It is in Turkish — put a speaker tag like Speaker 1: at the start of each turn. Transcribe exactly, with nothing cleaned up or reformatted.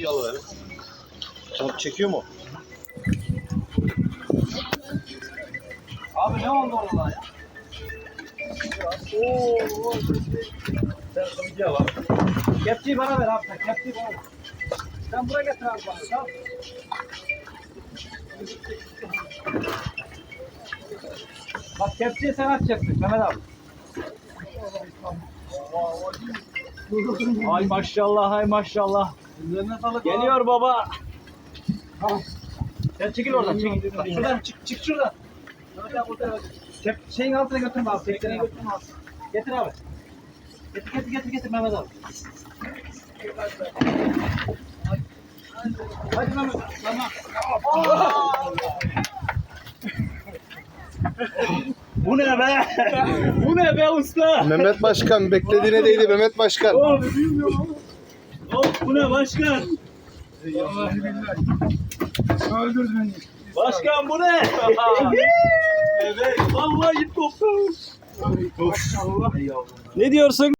Speaker 1: Kepçeyi alıverin. Çok çekiyor mu?
Speaker 2: Abi ne oldu orada ya?
Speaker 1: Ooo. Sen bir var.
Speaker 2: Kepçeyi bana ver abi sen. Kepçeyi bana ver. Sen buraya getir abi bana. Tamam. Bak kepçeyi sen açacaksın Mehmet abi. Ay maşallah, ay maşallah. Geliyor baba. Tamam. Sen çekil oradan, çekil. Bak, şuradan çık, çık şuradan. Kep, şeyin altına götürme abi. Tekneyi götürme abi. Getir abi. Getir, getir, getir, getir Mehmet abi. Hadi Mehmet, tamam.
Speaker 1: Bu ne be?
Speaker 2: Bu ne be usta?
Speaker 3: Mehmet Başkan beklediğine değdi Mehmet Başkan.
Speaker 2: Oğlum bilmiyorum. Oğlum bu ne başkan?
Speaker 4: Vallahi billahi. Öldürdü beni.
Speaker 2: Başkan bu ne? Evet, vallahi ip koptu.
Speaker 4: Maşallah.
Speaker 2: Ne diyorsun?